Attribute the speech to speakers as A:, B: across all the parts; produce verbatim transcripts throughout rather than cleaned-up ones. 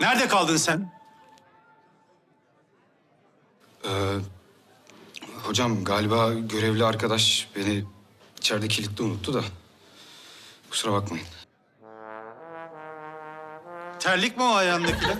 A: Nerede kaldın sen?
B: Ee, hocam galiba görevli arkadaş beni içeride kilitli unuttu da. Kusura bakmayın.
A: Terlik mi o ayağındakiler?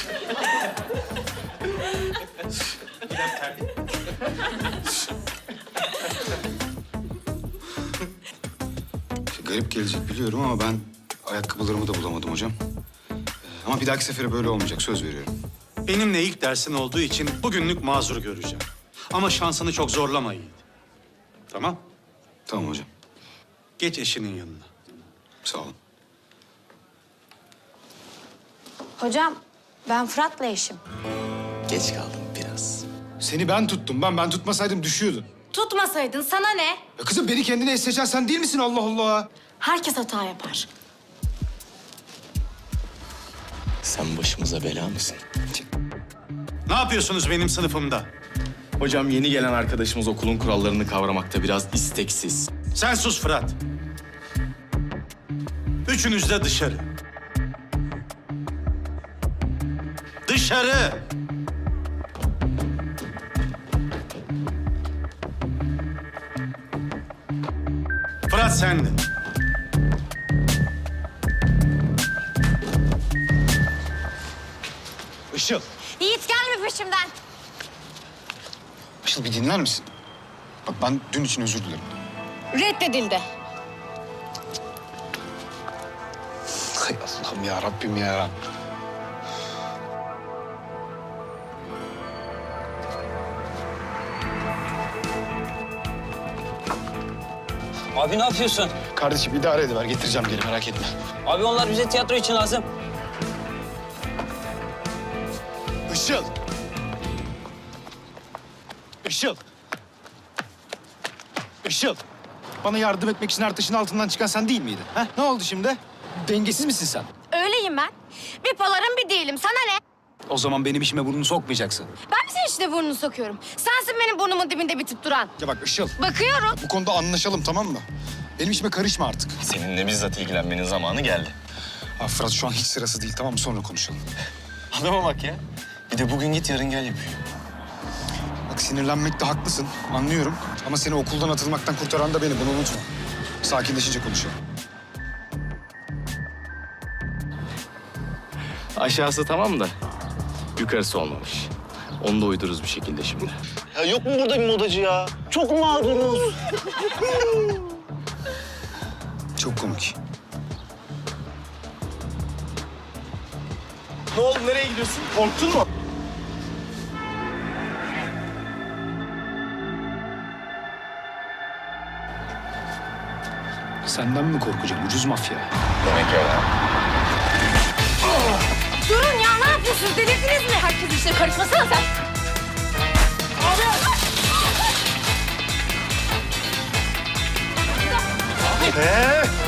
B: Garip gelecek biliyorum ama ben ayakkabılarımı da bulamadım hocam. Ee, ama bir dahaki sefere böyle olmayacak, söz veriyorum.
A: Benimle ilk dersin olduğu için bugünlük mazur göreceğim. Ama şansını çok zorlama Yiğit. Tamam?
B: Tamam hocam,
A: Geç eşinin yanına.
B: sağ olun.
C: Hocam, ben Fırat'la eşim.
D: Geç kaldım biraz.
B: Seni ben tuttum, ben ben tutmasaydım düşüyordun.
C: Tutmasaydın sana ne?
B: Ya kızım beni kendine es seçen sen değil misin Allah Allah?
C: Herkes hata yapar.
D: Sen başımıza bela mısın?
A: Ne yapıyorsunuz benim sınıfımda?
D: Hocam yeni gelen arkadaşımız okulun kurallarını kavramakta biraz isteksiz.
A: Sen sus Fırat. Üçünüz de dışarı. Dışarı! Fırat sen de.
B: Işıl.
C: Yiğit gelme peşimden.
B: Işıl bir dinler misin? Bak ben dün için özür dilerim.
C: Reddedildi.
B: Hay Allah'ım ya Rabbim ya.
E: Abi ne yapıyorsun?
B: Kardeşim idare ediver, getireceğim geri merak etme.
E: Abi onlar bize tiyatro için lazım.
B: Işıl. Işıl. Işıl. Bana yardım etmek için Ertaş'ın altından çıkan sen değil miydin? Ha? Ne oldu şimdi? Dengesiz misin sen?
C: Öyleyim ben. Bir palarım bir değilim. Sana ne?
B: O zaman benim işime burnunu sokmayacaksın.
C: Ben mi senin içine burnunu sokuyorum? Sensin benim burnumun dibinde bitip duran.
B: Ya bak Işıl,
C: Bakıyorum.
B: bu konuda anlaşalım tamam mı? Benim işime karışma artık.
D: Seninle bizzat ilgilenmenin zamanı geldi.
B: Ha Fırat şu an hiç sırası değil tamam mı? Sonra konuşalım.
D: Adama bak ya. Bir de bugün git yarın gel yapıyor.
B: Bak sinirlenmekte haklısın, anlıyorum. Ama seni okuldan atılmaktan kurtaran da benim, bunu unutma. Sakinleşince konuşalım.
D: Aşağısı tamam da yukarısı olmamış. Onu da uydururuz bir şekilde şimdi.
F: Ya yok mu burada bir modacı ya? Çok mağduruz.
B: Çok komik.
F: Ne oldu? Nereye gidiyorsun? Korktun mu?
B: Senden mi korkacağım, ucuz mafya?
D: Demek öyle.
C: Durun ya, ne yapıyorsunuz? Delirdiniz mi? Herkes işine karışmasana sen.
F: Ee,